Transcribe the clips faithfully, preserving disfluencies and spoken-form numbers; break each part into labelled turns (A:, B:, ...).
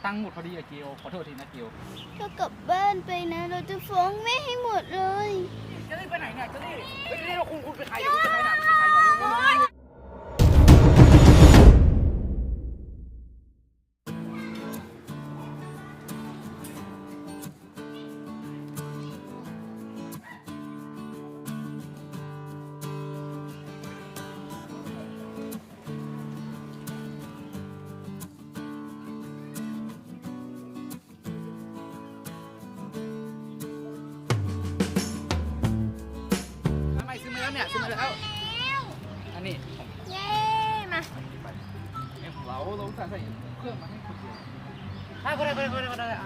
A: ตังค์หมดพอดีอะเกียวขอโทษทีนะเกียว
B: ถ้ากลับบ้านไปนะเราจะฟ้องแม่ให้หมดเลย
A: จะรีบไปไหนเนี่ยจะรีบจะรีบเราคุณคุณเป็นใครเนี่ยเป็นใครเนี่ยเป็นใครเนี่ยเนี่ยซื้อมาแล้วอันนี้
B: เย้มา
A: เอ็มเราเราใส่ใส่เครื่องมาให้คนเดียวอ่ะก็ได้ก็ได้ก็ได้ก็ได้อ่า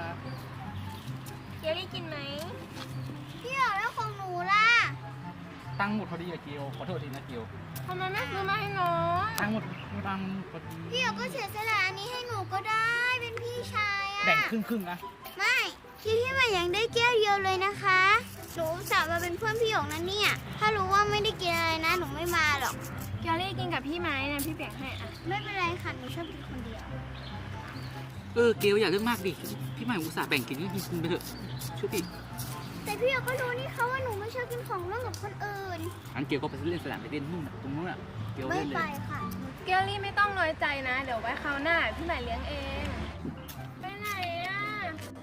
B: เกียวได้กินไหมพี่อยากได้ของหนูล่ะ
A: ตังค์หมดพอดีอะเกียวขอโทษทีนะเกียว
B: ทำไมไม่ซื้อมาให้น้อง
A: ตังค์หมดตังค์พอดี
B: พี่อยากก็เสียสละอันนี้ให้หนูก็ได้เป็นพี่ชายอะ
A: แบ่งครึ่งครึ่งนะ
B: ไม่คิดพี่มันยังได้แก้วเดียวเลยนะคะหนูสาวมาเป็นเพื่อนพี่หยกนะเนี่ยถ้ารู้ว่าไม่ได้กินอะไรนะหนูไม่มาหรอกเกียวรี่กินกับพี่ไหมนะพี่แบ่งให้อ่ะไม่เป็นไรค่ะหนูชอบกินคนเดียว
A: เออเกียวอย่าเรื่องมากดิพี่ใหม่อุตส่าห์แบ่งกินก็กินกินไปเถอะช่วยพี่
B: แต่พี่หยกก็รู้นี่เขาว่าหนูไม่ชอบกินของร่วมกับคนอื่น
A: อันเกียวก็ไปเล่นสนามไปเล่นนู่นตรงนู้นอ่ะเกียวเล่นเลย
B: ไม่ไปค่ะ
C: เกียวรี่ไม่ต้องน้อยใจนะเดี๋ยวไว้คราวหน้าพี่ใหม่เลี้ยงเองไปไหนอ่ะ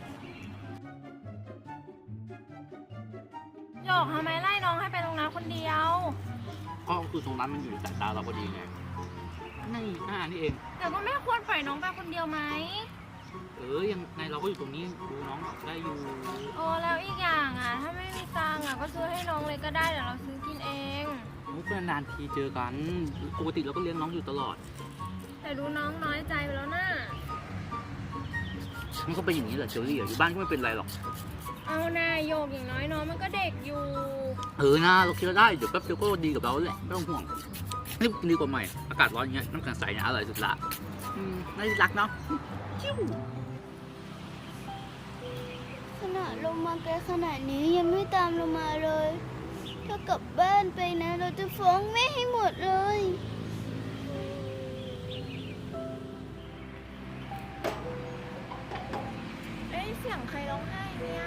C: หยกทำไมไล่น้องให้ไปตรงนั้นคนเดียว
A: ก็คือตรงนั้นมันอยู่ในสายตาเราพอดีไงนี่หน้านี่เอง
C: แต่ก็ไม่ควรปล่อยน้องไปคนเดียวไหม
A: เออยังไงเราก็อยู่ตรงนี้ดูน้องได้อยู่
C: โอ้แล้วอีกอย่างอ่ะถ้าไม่มีตังค์อ่ะก็ซื้อให้น้องเลยก็ได้เดี๋ยวเราซื้อกินเอง
A: มุกนานทีเจอกันปกติเราก็เลี้ยงน้องอยู่ตลอด
C: แต่ดูน้องน้อยใจไปแล้วน่ะ
A: มันก็เป็นอย่างนี้แหละเจอรี่อยู่บ้านก็ไม่เป็นไรหรอก
C: เอาหน้าโยกอย่างน้อยน้องมันก็เด็กอยู่
A: เออนะเราคิดว่าได้เดี๋ยวแป๊บเดียวก็ดีกับเราแหละไม่ต้องห่วงนี่ดีกว่าใหม่อากาศร้อนอย่างเงี้ยน้ำแข็งใสเนี่ยอร่อยสุดละอืมน่ารักเนาะ
B: ขนาดลงมาไกลขนาดนี้ยังไม่ตามลงมาเลยถ้ากลับบ้านไปนะเราจะฟ้องแม่ให้หมดเลย
C: เอ้ยเสียงใครร้องไห้เนี่ย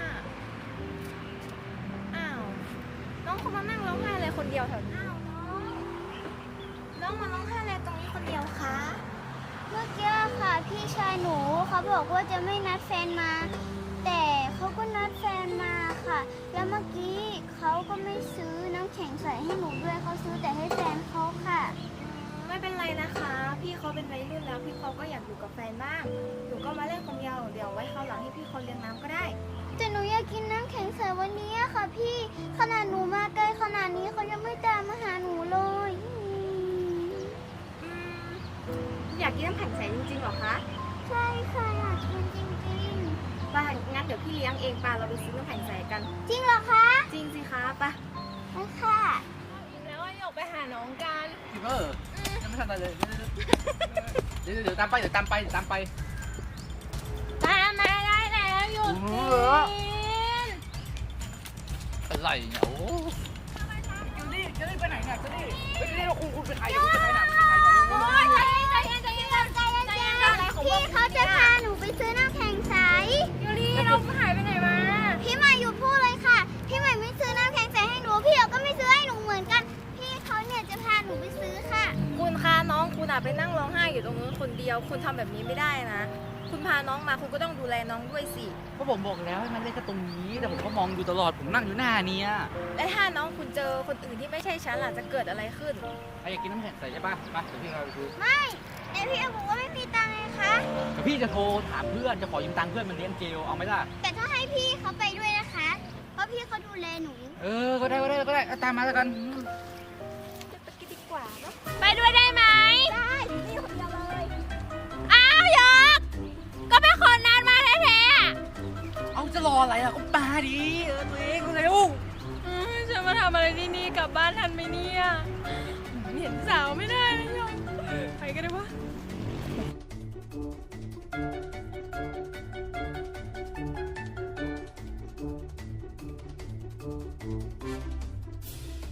C: อ้าวน้องเขามานั่งร้องไห้อะไรคนเดียวแถวนี้น้องน้องมาร้องไห้อะไรตรงนี้คนเดียวคะ
B: เมื่อกี้ค่ะพี่ชายหนูเขาบอกว่าจะไม่นัดแฟนมาแต่เขาก็นัดแฟนมาค่ะแล้วเมื่อกี้เขาก็ไม่ซื้อน้ำแข็งใส่ให้หนูด้วยเขาซื้อแต่ให้แฟนเขาค่ะ
C: ไม่เป็นไรนะคะพี่เขาเป็นวัยรุ่นแล้วพี่เขาก็อยากอยู่กับแฟนบ้างหนูก็มาเล่นคนเดียวเดี๋ยวไว้คราวหลังให้พี่เขาเลี้ยงน้ำก็ได้
B: แต่หนูอยากกินน้ำแข็งใส่วันนี้ค่ะพี่ขนาดหนูมาไกลขนาดนี้เขายังไม่ตามมาหาหนูเลย
C: อยากกินน้ำแข็งใสจริงๆหรอคะ
B: ใช่ค่ะอยากกินจริง
C: ๆไปงั้นเดี๋ยวพี่เลี้ยงเองป่ะเราไปซื้อน้ำแข็งใสกัน
B: จริงเหรอคะ
C: จริงสิคะป่ะ
B: ไปค่ะ
C: แล้วอยากไปหาน้องกัน
A: เออยังไม่ทันอะไรเลยเดี๋ยวเดี๋ยวตามไปเดี๋ยวตามไปเดี๋ยวตามไป
C: ตามมาได้แล้วหยุดกิน
A: อะไรเนี่ยโอ้จะรีบจะรีบไปไหนเนี่ยจะรีบไปรีบเราคุณคุณเป็นใครเนี่ยเป็นใครเนี่ยเป็นใครเนี่ย
B: ใจเย็นใจเย็นใจเย็นใจเย็นใจเย็นพี่เขาจะพาหนูไปซื้อน้ำแข็งใส
C: ยูรีเราหายไปไหนมา
B: พี่ใหม่อยู่พูดเลยค่ะพี่ใหม่ไม่ซื้อน้ำแข็งใสให้หนูพี่เขาก็ไม่ซื้อให้หนูเหมือนกันพี่เขาเนี่ยจะพาหนูไปซื้อค่ะ
C: คุณคะน้องคุณอะไปนั่งร้องไห้อยู่ตรงนู้นคนเดียวคุณทำแบบนี้ไม่ได้นะคุณพาน้องมาคุณก็ต้องดูแลน้องด้วยสิ
A: ก็ผมบอกแล้วให้มันเล่นแค่ตรงนี้แต่ผมก็มองอยู่ตลอดผมนั่งอยู่หน้านี้
C: และถ้าน้องคุณเจอคนอื่นที่ไม่ใช่ฉันล่ะจะเกิดอะไรขึ้น
A: ใครอยากกินน้ำแข็งใสใช่ปะไปเดี๋ยวพี่เราไปซื้อ
B: ไม่แต่พี่บอกว่าไม่มีตังค์ไงคะ
A: แต่พี่จะโทรถามเพื่อนจะขอยืมตังค์เพื่อนมันเลี้ยงเจลเอาไหมล่ะ
B: แต่ถ้าให้พี่เขาไปด้วยนะคะเพราะพี่เขาดูแลหนู
A: เออก็ได้ก็ได้ก็ได้ตามมาแล้วกัน
C: จะไปกินดีกว่าเนาะไปด้วยได้ไหมได้พี่คนเดียวเลยอ้าวยกก็เป็นคนนัดมาแท้ๆ
A: เอาจะรออะไรล่ะก็มาดิเออตัวเองเร็ว
C: ฉันมาทำอะไรที่นี่กลับบ้านทันไหมเนี่ย